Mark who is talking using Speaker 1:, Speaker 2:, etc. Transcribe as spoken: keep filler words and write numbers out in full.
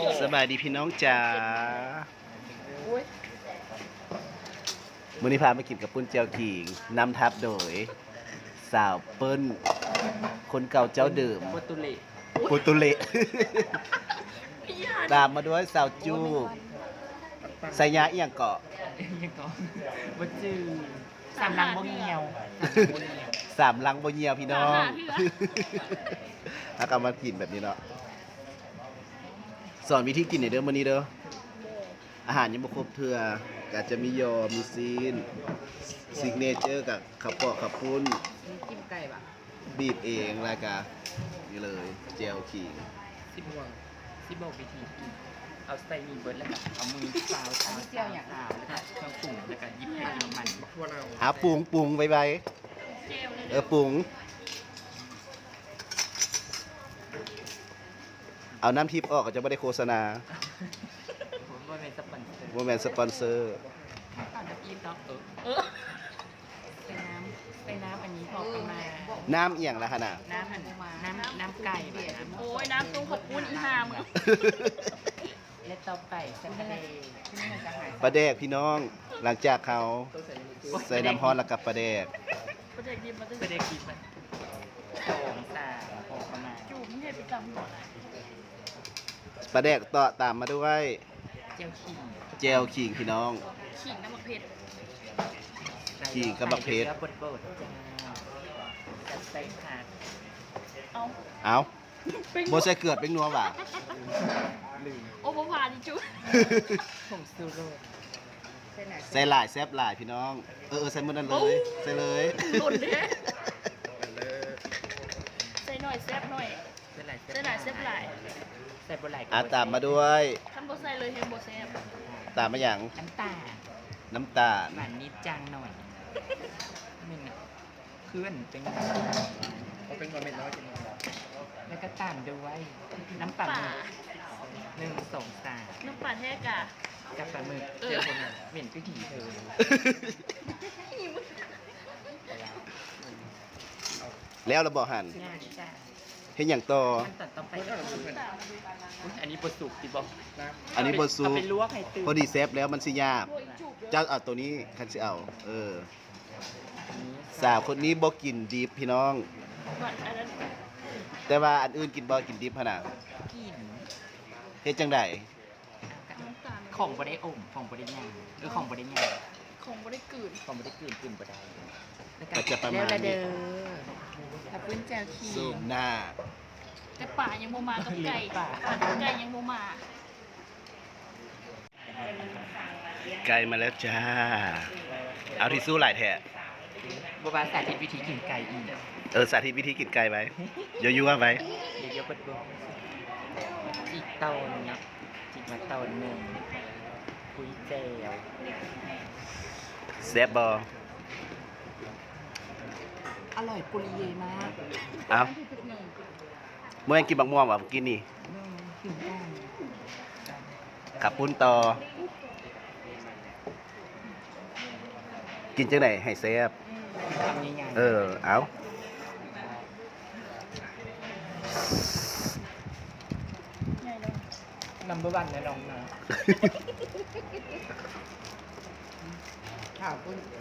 Speaker 1: สบายดีพี่น้องจ๋ามื้อนี้พามากินกับปุ้นเจียวขิงนำทัพโดย สาวเปิ้ลคนเก่าเจ้าเดิม
Speaker 2: โปรตุเกส
Speaker 1: โปรตุเกสตามมาด้วยสาวจูไซยาเอียงเกาะ
Speaker 2: ยังก็บ่จื้อสามลังบ่เหี่ยว
Speaker 1: สามลังบ่เหี่ยวพี่น้องถ้ากำมากินแบบนี้เนาะสอนวิธีกินหน่อยเด้อมื้อนี้เด้ออาหารยังบ่ครบเทื่อก็จะมียอมีซีนซิกเนเจอร์กับข้าวเปาะข้าวปุ้น
Speaker 2: จิ้มไก่ป่ะ
Speaker 1: บีบเองแล้วก็นี่เลยเจลขิง
Speaker 2: สิบวงสิบบอกวิธีกินเอาใส่มีเบิร์ดแล้วก็เอามือซาวซาวซาวซาวแล้วก็เครื่องปรุงแล้วก็ยิบให้น้ำมันพวกเรา
Speaker 1: หาปรุงปรุงไว้ไว้เออปรุงเอาน้ำทิพย์ออกก็จะไม่ได้โฆษณา
Speaker 2: ผมว่าเป็นสปอนเซอร์
Speaker 1: โมแมนสปอนเซอร์
Speaker 2: เอาแบบอีท็อกเออใส่น้ำใส่น้ำอันนี้พอประมาณ
Speaker 1: น้ำเอียงละขนาด
Speaker 2: น้ำอันน้ำน้ำไก่แบบน้ำ
Speaker 3: โอ้ยน้ำตุ้งขอบคุณอีหามง
Speaker 2: และต่อไปสันทะเล
Speaker 1: ปลาแดกพี่น้องหลังจากเขาใส่น้ำฮ้อนแล้วกับปลาแดก
Speaker 3: ประเด็กยิบมาตึ้ง
Speaker 2: ไม่ได้กินมันสองสามพอประมาณ
Speaker 3: จูบมึงเห็นประจำหัวไหน
Speaker 1: ปลาแดกต่อตามมาด้วย
Speaker 2: เจียวขิง
Speaker 1: เจลขิงพี่น้อง
Speaker 3: ขิงน้ำมันเพชร
Speaker 1: ขิงกับบักเพชร
Speaker 2: ใส่เกลือบดๆจ้าจัดใส่ผัก
Speaker 3: เอา
Speaker 1: เอาโบใส่เกลือเป็นนัวว่ะ
Speaker 2: ลืม
Speaker 3: โอ้พ่อพาดิจู
Speaker 2: ผงซูโร่
Speaker 1: ใส่หลายแซบหลายพี่น้องเออเออใส่หมดนั่นเลยใส่เลย
Speaker 3: หล่นเด้ใส่หน่อยแซ่บหน่อย
Speaker 2: ใส่หลาย
Speaker 3: ใส่หลายแซ่บหลาย
Speaker 2: ใส่บะหลาย
Speaker 1: อ่ะตามมาด้วย
Speaker 3: ทำโบใส่เลยเฮมโบแซ่บ
Speaker 1: ตามมาอย่าง
Speaker 2: น้ำตาล
Speaker 1: น้ำตาล
Speaker 2: หวานนิดจางหน่อยมันน่ะเพื่อนเป็นเขาเป็นคนเป็นน้อยจริงแล้วก็ตามด้วยน้ำปลาห
Speaker 3: ป่า
Speaker 2: มึกหนึ่งสองสาม
Speaker 3: น้ำป่าแท้กะ
Speaker 2: กับปลาหมึก
Speaker 3: เออ
Speaker 2: เจอคนอ่ะเหม็นก็ถี่เธอ
Speaker 1: แล้วเราบอกหัน
Speaker 2: งานจ้า
Speaker 1: เห็นอย่างต่อ
Speaker 2: ขั้นตอนต่อไปก็คืออุ๊ยอันนี้บดสุกดิบอก
Speaker 1: อันนี้บดซุป
Speaker 2: เอาไปลวกให้ตื่น
Speaker 1: พอดีเซฟแล้วมันสิยาก
Speaker 3: โอ้ยจูบเลย
Speaker 1: เจ้าเอาตัวนี้คันสิเอา เออ
Speaker 2: อันนี้
Speaker 1: สาวคนนี้บ่กินดิบพี่น้อง
Speaker 3: ก่อนอันนั้น
Speaker 1: แต่ว่าอันอื่นกินบ่กินดิบขนาด
Speaker 2: กิน
Speaker 1: เฮ็ดจังได
Speaker 3: น้ำตาล
Speaker 2: ของบได้อมของบได้ย่างหรือของบได้ย่าง
Speaker 3: ของบริกืน
Speaker 2: ของบได้กลืนกลืนบได้แล้ว
Speaker 1: ก็จะประมาณ
Speaker 2: แล้ว
Speaker 1: นี้
Speaker 2: เด้อถ้าปื้นแจวขี
Speaker 1: สูบหน้า
Speaker 3: แต่ป่ายังโมมากับไก่
Speaker 2: ป่า
Speaker 3: ป่ากับไก่ยังโมมา
Speaker 1: ไก่มาแล้วจ้า เอาที่สู้หลายแท้
Speaker 2: บัวบาสาธิตวิธีกินไก่อีก
Speaker 1: เออสาธิตวิธีกินไก่ไว้ยั่วๆไว้
Speaker 2: เดี๋ยวเดี๋ยวเปิดบัวอีกเตาหนึงนะจิกมาเตาหนึ่งคุยแจว
Speaker 1: แซ่บบ่
Speaker 2: อร่อยปุริเยมาก
Speaker 1: เอาเมื่อกินบักม่วงว่ะกินนี่
Speaker 2: อืมกินได้
Speaker 1: ขับปุ้นต่อ กินจังไหนให้แซ่บ
Speaker 2: ทำง่ายๆ
Speaker 1: เออ เอา
Speaker 3: ใหญ่เลย
Speaker 2: นัมเบอร์วันนะน้องนะข่าวปุ้น